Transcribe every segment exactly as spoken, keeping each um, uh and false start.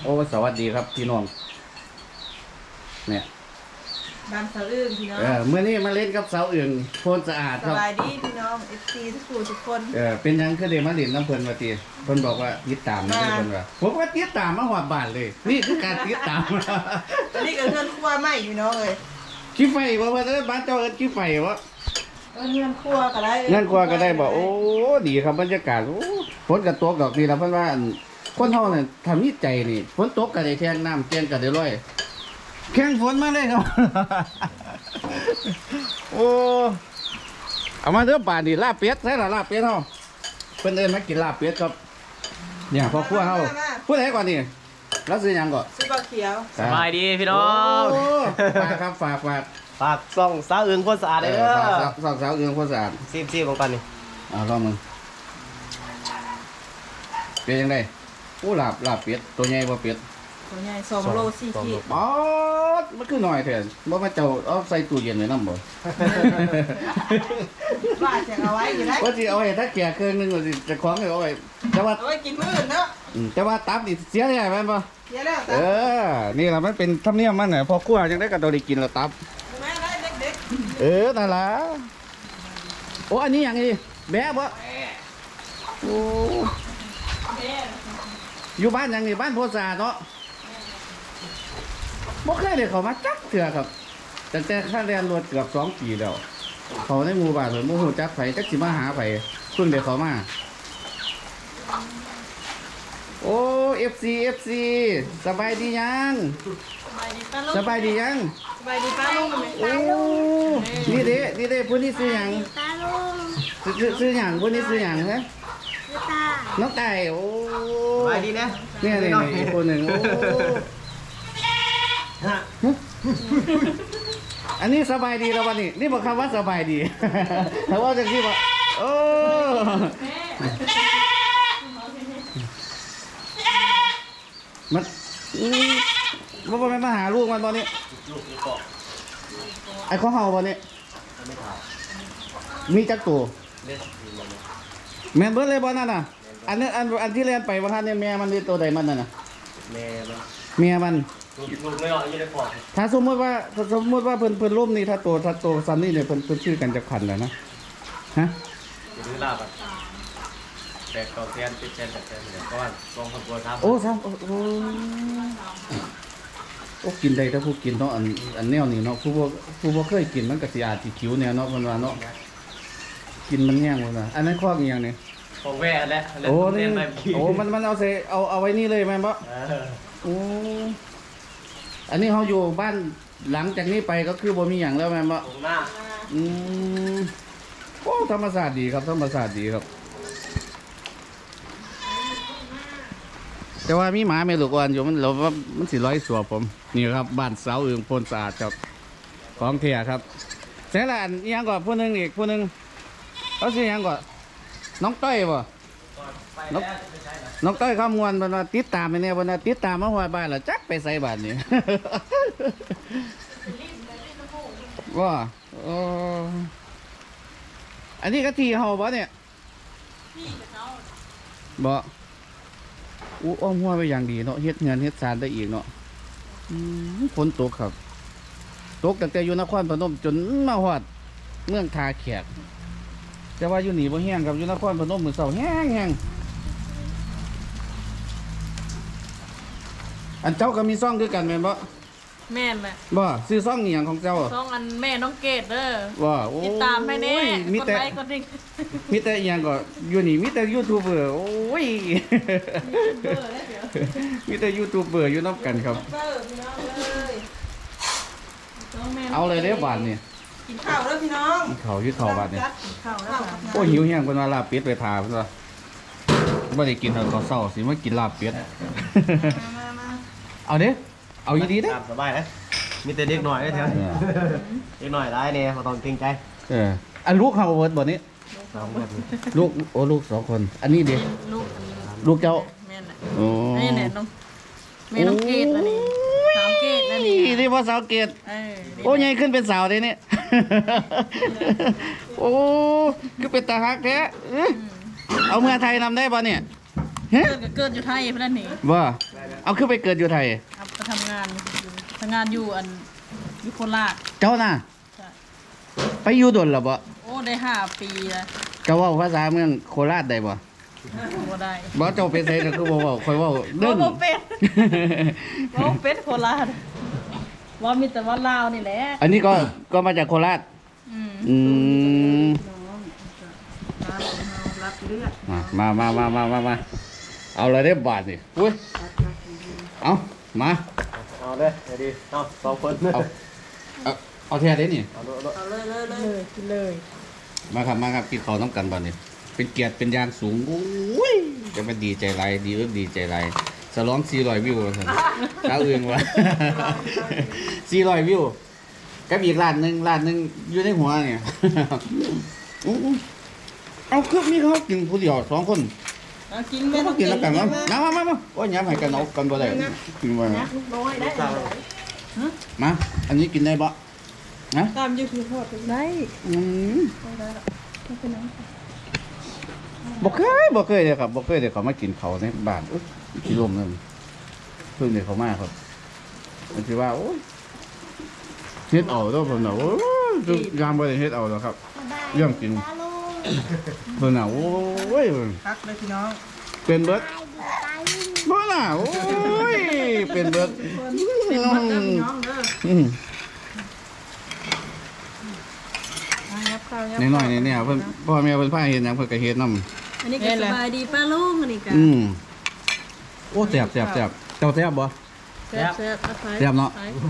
โอ้สวัสดีครับพี่น้องเนี่ยบ้านสาวอื่นพี่น้องเออเมื่อนี้มาเล่นกับสาวอื่นโพนสะอาดสครับบายดีพี่น้องเอฟซีทุกคนทุกคนเออเป็นยังคือเดมาเล่นน้ำเพลินมาตีเพิ่นบอกว่าติดตามนะเพิ่นว่าผมก็ติดตามมาหอดบ้านเลย นี่คือการติดตามอันนี้ก็เพื่อนครัวใหม่พี่น้องเลยขี้ไฟบ่ว่าเอ้ยบ้านเจ้าเอิ้นขี้ไฟบ่เออเพื่อนครัวก็ได้นั่นกว่าก็ได้บอกโอ้ดีครับบรรยากาศโอ้ฝนก็ตกดอกนี่ล่ะเพิ่นว่าอั่นคนเฮาน่ะทำนิจใจนี่ฝนตกก็ได้แทงน้ำแกงก็ได้ร้อยแข่งฝนมาเลยครับ โอ้เอามาเด้อป่านนี่ลาบเป็ดใช่ล่ะลาบเป็ดเฮาเพิ่นเอิ้นมากินลาบเป็ดครับเนี่ยพ่อครัวเฮาผู้ใดก่อนนี่แล้วซื้อหยังก่อนซุปเปอร์เขียวสบายดีพี่น้องโอ้ฝากครับฝากฝากฝากส่องสาวอื่นคนสะอาดเอเลยอเด้ฝากอสาวสาวสาวเอื้องคนสะอาดซีบซีบของกันนี่อ่าลองมึงเป็นยังไงอู้ลาบลาบเป็ดตัวใหญ่บ่เป็ดตัวใหญ่สองโลสี่ขีดอ๋อมันคือหน่อยแทนบ่มาเจ้าเอาใส่ตู้เย็นไว้นำบ่บ้าจะเอาไว้อยู่ได้ว่าสิเอาไว้ถ้าแก่เครื่องนึงว่าสิจะคล้องเอาไว้แต่ว่าเอาไว้กินมื้ออื่นเนาะอืมแต่ว่าตับนี่เสียได้แม่นบ่เดี๋ยวแล้วเออ นี่ล่ะมันเป็นธรรมเนียมมันน่ะพอครัวจังได้ก็ต้องได้กินแล้วตับแม่ได้เด็กเออนั่นล่ะโอ้อันนี้หยังนี่แบะบ่โอ้อยู่บ้านหยังนี่บ้านโพสาเนาะบ่เคยได้เข้ามาจักเทื่อครับตั้งแต่ค่าแรงรถเกือบสองปีแล้วเขาในหมู่บ้านเพิ่นบ่ฮู้จักไผจักสิมาหาไผเพิ่งได้เข้ามาโอ้ เอฟ ซี เอฟ ซี สบายดียังๆสบายดีป้าลุงสบายดียังสบายดีป้าลุงไหมโอ้นี่เด้นี่เด้ผู้นี้ซื้อหยังตาลุงซื้อซื้อซื้อหยังผู้นี้ซื้อหยังฮะคือตาน้องไก่โอ้สบายดีนะเนี่ยนี่นี่อีกคนหนึ่งโอ้ฮะอันนี้สบายดีแล้ววันนี้นี่บอกคำว่าสบายดี แต่ว่าจากที่ว่าโอ้มันอืมว่าบ่แม่นมาหาลูกมันตอนนี้ลูกลูกเกาะไอ้ข้อเห่าตอนนี้ไม่ถ่ายมีจักตัวเล่นทีมมันแม่นเบิดเลยบ่นั่นน่ะ อันนั้นอันอันที่เรียนไปว่าท่านเนี่ยแม่มันนี่ตัวใดมันนั่นน่ะแม่มันเมียมันลูกลูกไม่ออกอยู่ในปอดถ้าสมมติว่าถ้าสมมติว่าเพิ่นเพิ่นร่มนี่ถ้าโตถ้าโตซันนี่เนี่ยเพิ่นเพิ่นชื่อกันจะขันแล้วนะฮะจะดื้อลาบอ่ะแตกเกาแทนติดแทนแตกแทนเดี๋ยวก้อนลองคนกลัวทำโอ้ซ้ำโอ้โอ้โอ้กินได้ถ้าผู้กินเนาะอันอันแนวนี้เนาะผู้บ่ผู้บ่เคยกินมันก็สิอาจสิคิวแนวเนาะเพิ่นว่าเนาะกินมันแย่งเพิ่นว่าอันนั้นข้ออีหยังนี่ของแว่แล้วโอ้นี่เล่นแบบขี้โอ้มันมันเอาใส่เอาเอาไว้นี่เลยแม่นบ่เออโอ้อันนี้เฮาอยู่บ้านหลังจากนี้ไปก็คือบ่มีหยังแล้วแม่นบ่ตรงหน้าอืมโอ้ธรรมศาสตร์ดีครับธรรมศาสตร์ดีครับ แต่ว่ามีหมาไม่ลูกอ่อนอยู่มันเราว่ามันสิร้อยสัวผมนี่ครับบ้านเสาอื่นโพนสะอาดครับของเทียครับเสร็จแล้วอันอิหยังก่อนผู้หนึงอีกผู้หนึงเขาสิหยังก่อนน้องต้อยบ่ไปแล้วไม่ใช่เหรอน้องต้อยข้ามวนบรรติดตามไปเนี่ยบรรติดตามมาหัวบ้านแล้วจักไปใส่บ้านนี่ ว่าโอ้อันนี้ก็ทีเฮาบ่เนี่ยบ่อู้อ้อมหัวไปอย่างดีเนาะเฮ็ดเงินเฮ็ดสารได้อีกเนาะอืมฝนตกครับตกตั้งแต่อยู่นครพนมจนมาฮอดเมืองทาแขกแต่ว่าอยู่นี่บ่แห้งครับอยู่นครพนมมื้อเช้าแห้งแห้งอันเจ้าก็มีซ่องคือกันแม่นบ่แม่นแหละบ่ซื้อซ่องอีหยังของเจ้าสองอันแม่น้องเกดเด้อว่าโอ้ยติดตามให้แน่มีกดแต่ไลค์กดดิ่งมีแต่อีหยังก็อยู่นี่มีแต่ยูทูบเบอร์โอ้ยเบอร์แล้วเดี๋ยวมีแต่ยูทูบเบอร์อยู่นำกันครับเบอร์พี่น้องเลยสงแม่น้งเอาเลยเด้อบาดนี่กินข้าวแล้วพี่น้องกินข้าวอยู่ข้าวบาดนี่กินข้าวแล้วค่ะโอ้หิวแห้งเพิ่นว่าลาบเป็ดไปทาเพิ่นว่าบ่ได้กินตอนเช้าสิมากินลาบเป็ดมามามาเอาเด้เอาอีดีเด้ตามสบายนะมีแต่เด็กหน่อยได้แถวเออเด็กหน่อยได้เนี่ยเขาต้องเกรงใจเอออันลูกเฮาเบิดบ่นี้สองแบบนี้ลูกโอ้ลูกสองคน อันนี้เด้ลูกอันนี้ลูกเจ้าแม่น่ะโอ้นี่แหละน้องแม่น้องเกดแล้วนี่สาวเกดแล้วนี่นี่พ่อสาวเกดเออนี่โอ้ใหญ่ขึ้นเป็นสาวเลยเนี่ย โอ้คือเป็นตาฮักแท้เอ้ยเอาเมืองไทยนำได้ป่ะเนี่ยเฮ้เกิดก็เกิดอยู่ไทยเพื่อนนี่บ่เอาขึ้นไปเกิดอยู่ไทยเอาไปทำงานอยู่ทำงานอยู่อันอยุโคราชเจ้าน่ะใช่ไปอยู่ดนหรอบ่โอ้ได้ห้าปีแล้วเจ้าเว่าภาษาเมืองโคราชได้บ่บ่ได้บ่เจ้าเป็นไสก็คือบ่เว้าค่อยเว้าเด้นบ่เป็นบ่เป็นโคราชว่ามีแต่ว่าลาวนี่แหละอันนี้ก็ก็มาจากโคราชอืมอืมรับเลือดมามามามามามาเอาเลยได้บาทนี่อุ้ยเอามาเอาเด้อเดี๋ยวดีเอาสองคนเอาเอาเอาแท้ได้นี่เอาดูเอาดูเอาเลยเลยเลยกินเลยมาครับมาครับกินข้าวน้ำกันบาทนี่เป็นเกียรติเป็นอย่างสูงอุ้ยจะมาดีใจไรดีเอิบดีใจไรสลองสี่ร้อยวิวว่าซั่นเช้าอื่นวะ สี่ร้อยวิวกับอีกร้านหนึ่งร้านหนึ่งอยู่ในหัวเนี่ย อู้อู้เอาเครื่องนี้เขากินผู้เดียวสองคนเอากินไม่แม่ต้องกินแล้วกันมั้งมามามามาโอ้ยย้ำให้กันเอากันบ่ได้กินบ่ได้ลูกน้อยได้มา อันนี้กินได้บ่นะตามยูทูบได้อืมบ่เคยบ่เคยเลยครับบ่เคยเลยเขามากินเขาวในบ้านอุ๊ยขี้ลมนั่นเพิ่งเดี๋ยวเขามาครับมันสิว่าโอ้ยเฮ็ดเอาเด้อเพิ่นน่ะโอ้ยคือยามบ่ได้เฮ็ดเอาหรอกครับ เรื่องจริงตาลุงเพิ่นน่ะโอ้ยพักเลยพี่น้องเป็นเบิดตายดูตายลุงบ่น่ะโอ้ยเป็นเบิดเป็นหมดเด้อพี่น้องเด้ออืมมายับข้าวยับน้อยๆเนี่ยเพิ่นพ่อแม่เพิ่นพาเฮ็ดหยังเพิ่นก็เฮ็ดนำอันนี้ก็สบายดีป้าลุงอันนี้ก็อืมโอ้แซ่บแซ่บแซ่บเจ้าแซ่บบ่แซ่บแซ่บเอาไปแซ่บเนาะ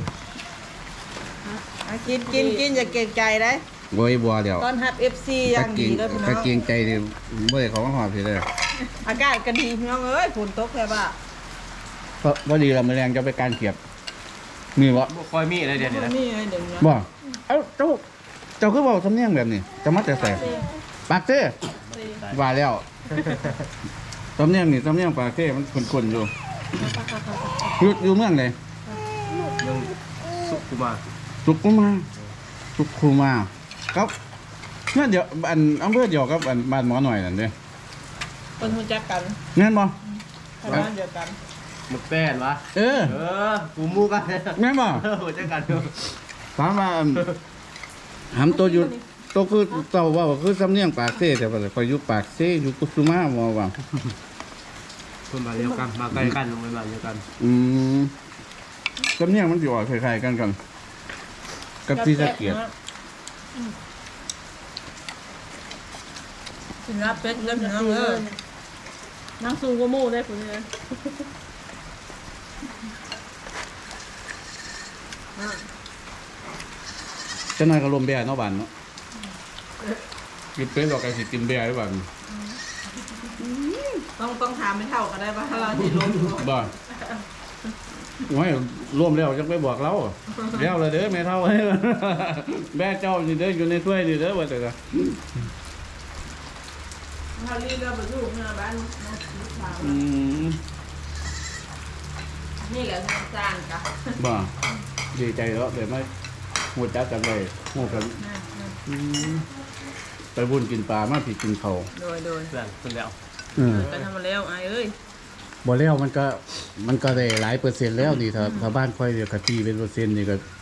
อ่ะกินกินกินอย่าเกรงใจได้โว้ยบัวเดียวตอนฮับเอฟซีอย่างดีเลยพี่น้กะองเกรงใจดิบ่ได้เขามาหอดพี่เลยอากาศก็ดีพี่น้องเอ้ยฝนตกแค่บ่าเพราะบ่ดีเรามื้อแรงจะไปการเขียบมีบ่บ่ค่อยมีอะไรเดี๋ยวนี้นะนี่ไงเดี๋ยวนี้บ่เอ้าเจ้าเจ้าคือเว้าสำเนียงแบบนี้จะมาแต่ไสปากเต้ว่าแล้วสำเนียงนี่สำเนียงปากเต้มันคุ้นๆอยู่อยู่อยู่เมืองใดเรื่องสุขุมาสุขุมาสุขุมาครับนั่นเดี๋ยวอันอำเภอเดียวกับอันบ้านหมอหน่อยนั่นเด้คนรู้จักกันแม่นบ่ทำงานเดียวกันมึกแป้นวะเออเออกูมูกันแม่นบ่เออหัวใจกันอยู่ถามว่าอันหำตัวอยู่ตัวคือเจ้าเว่าคือสำเนียงปากเซ่แต่ว่าคอยอยู่ปากเซ่อยู่กุสุมาบ่ว่าคนมาเดียวกันมาใกล้กันลงไปมาเดียวกันอืมสำเนียงมันสิออกคล้ายๆกันกันกับที่สะเกียดสินรับเป็ดเริ่มพี่น้องเอ้ยนั่งสูงกว่าหมู่ได้พุ่นเลยจะน้อยก็ลมแบ่เนาะบ้านเนาะกินเป็นดอกไก่สิติมแบ่หรือเปล่าต้องต้องถามไม่เท่ากันได้ป่ะถ้าเราที่ลงอยู่บ่โอ้ยร่วมแล้วจังไปบอกเราแล้วเลยเด้อแม่เฒ่า แม่เจ้านี่เด้ออยู่ในถ้วยนี่เด้อว่าแต่ก็ถ้าลีก็ไปอยู่เมื่อบ้านน้องลูกสาวอืมนี่แหละทางจานกะบ่ดีใจแล้วเดี๋ยวไม่หูจักกันเลยหูกันอืมไปบุญกินปลามาผิดกินเขาวโดยโดยเพื่อนคนแล้วเออไปทำมาแล้วไอ้เอ้ยบ่แล้วมันก็มันก็ได้หลายเปอร์เซ็นต์แล้วนี่ถ้าถ้าบ้านค่อยเดียวกะตีเป็นเปอร์เซ็นต์นี่ก็